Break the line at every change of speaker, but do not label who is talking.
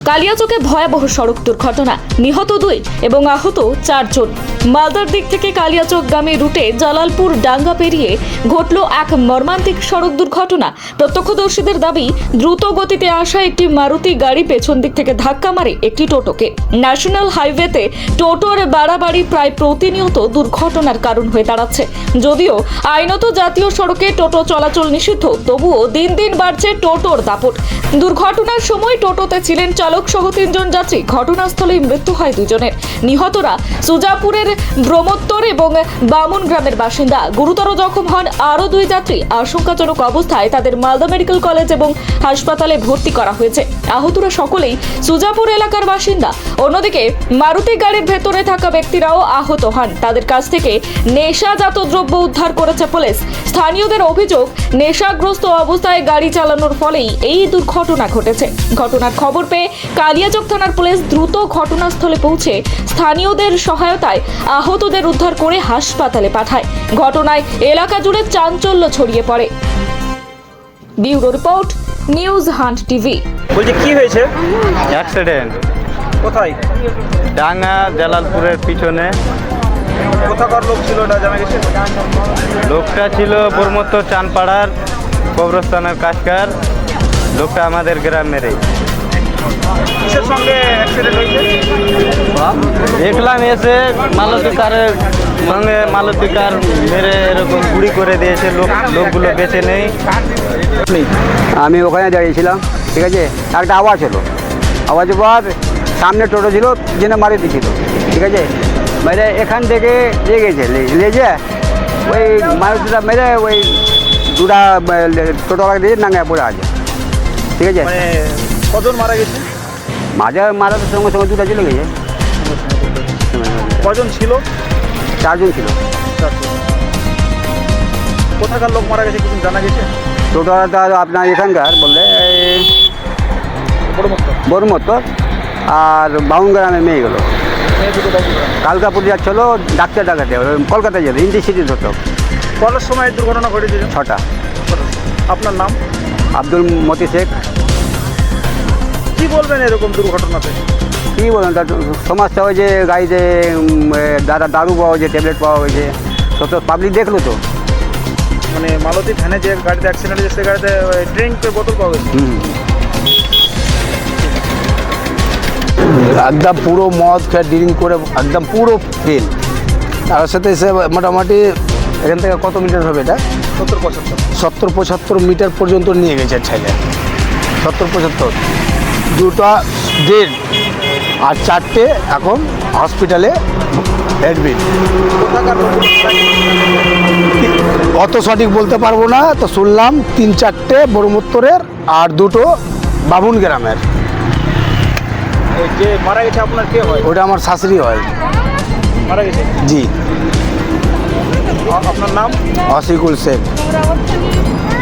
কালিয়াচকে ভয়াবহ সড়ক দুর্ঘটনা, নিহত 2 এবং আহত 4 জন। মালদার দিক থেকে কালিয়াচকগামী রুটে জালালপুর ডাঙ্গা পেরিয়ে ঘটল এক মর্মান্তিক সড়ক দুর্ঘটনা। প্রত্যক্ষদর্শীদের দাবি, দ্রুত গতিতে আসা একটি মারুতি গাড়ি পেছন দিক থেকে ধাক্কা মারে একটি টোটোকে। ন্যাশনাল হাইওয়েতে টোটোর বাড়াবাড়ি প্রায় প্রতিনিয়ত দুর্ঘটনার কারণ হয়ে দাঁড়াচ্ছে। যদিও আইনত জাতীয় সড়কে টোটো চলাচল নিষিদ্ধ, তবুও দিন দিন বাড়ছে টোটোর দাপট। দুর্ঘটনার সময় টোটোতে ছিলেন চালক সহ 3 জন যাত্রী। ঘটনাস্থলেই মৃত্যু হয় 2 জনের। নিহতরা সুজাপুরের ব্রহ্মোত্তর এবং বামুন গ্রামের বাসিন্দা। গুরুতর জখম হন আরও 2 যাত্রী। আশঙ্কাজনক অবস্থায় তাদের মালদা মেডিকেল কলেজ এবং হাসপাতালে ভর্তি করা হয়েছে। আহতরা সকলেই সুজাপুর এলাকার বাসিন্দা। অন্যদিকে মারুতি গাড়ির ভেতরে থাকা ব্যক্তিরাও আহত হন। তাদের কাছ থেকে নেশাজাত দ্রব্য উদ্ধার করেছে পুলিশ। স্থানীয়দের অভিযোগ, নেশাগ্রস্ত অবস্থায় গাড়ি চালানোর ফলেই এই দুর্ঘটনা ঘটেছে। ঘটনার খবর পেয়ে কালিয়াচক থানার পুলিশ দ্রুত ঘটনাস্থলে পৌঁছে স্থানীয়দের সহায়তায় আহতদের উদ্ধার করে হাসপাতালে পাঠায়। ঘটনায় এলাকা জুড়ে চাঞ্চল্য ছড়িয়ে পড়ে। Bureau report, news hunt TV.
বলছি কি হয়েছে?
অ্যাক্সিডেন্ট
কোথায়?
ডাঙ্গা জালালপুরের পিছনে।
কোথাকার লোক ছিল এটা জানা গেছে?
লোকটা ছিল ব্রহ্মোত্তর চানপাড়ার কবরস্থানের কাজকার। লোকটা আমাদের গ্রামেরই।
কিসের সঙ্গে অ্যাক্সিডেন্ট হয়েছে?
দেখলাম এসে মালতী কারের সঙ্গে মালতী কার মেরে এরকম গুড়ি করে দিয়েছে। লোকগুলো বেঁচে নেই।
আমি ওখানে দাঁড়িয়েছিলাম, ঠিক আছে। একটা আওয়াজ হলো, আওয়াজের পর সামনে টোটো ছিল, জেনে মারি দিয়েছিল, ঠিক আছে। মেরে এখান থেকে লেগেছে, লেগে ওই মারুতিটা মেরে ওই দুটা টোটোওয়ালা দিয়ে নাঙ্গায় পড়ে আছে, ঠিক আছে।
মানে কজন মারা গেছে?
মারার সঙ্গে সঙ্গে দুটা চলে গেছে।
কজন ছিল?
4 জন ছিল।
কোথাকার লোক মারা গেছে কিছু জানা গেছে?
টোটোওয়ালাটা আপনার এখানকার বললে ব্রহ্মোত্তর আর বাউন গ্রামে মেয়ে গেলো। কালকাপুর যাচ্ছিল ডাক্তার ডাকাতে, কলকাতায় যেত, ইন্ডি সিটি ধরত।
কটার সময় এই দুর্ঘটনা ঘটেছে?
6টা।
আপনার নাম?
আব্দুল মতি শেখ।
কি বলবেন এরকম দুর্ঘটনাতে?
কী বলেন, তার সমস্যা হয়েছে গাড়িতে দারু পাওয়া হয়েছে, ট্যাবলেট পাওয়া হয়েছে, তো পাবলিক দেখলো তো।
মানে মালতী ভ্যানে যে গাড়িতে অ্যাক্সিডেন্ট হয়েছে সে গাড়িতে ড্রিঙ্কের বোতল পাওয়া গেছে।
একদম পুরো মদ খেয়ে ড্রিঙ্ক করে একদম পুরো ফেল। তার সাথে এসে মোটামুটি এখান থেকে কত মিটার হবে এটা? 70-75 মিটার পর্যন্ত নিয়ে গেছে ছেলে। 70-75, 2টা ডেড আর 4টে এখন হসপিটালে অ্যাডমিট। অত সঠিক বলতে পারবো না, তো শুনলাম 3-4টে ব্রহ্মোত্তরের আর 2টো বামুন গ্রামের।
যে মারা গেছে আপনার কে হয়?
ওটা আমার শাশুড়ি হয়।
মারা গেছে?
জি।
আপনার নাম?
অসিকুল শেখ।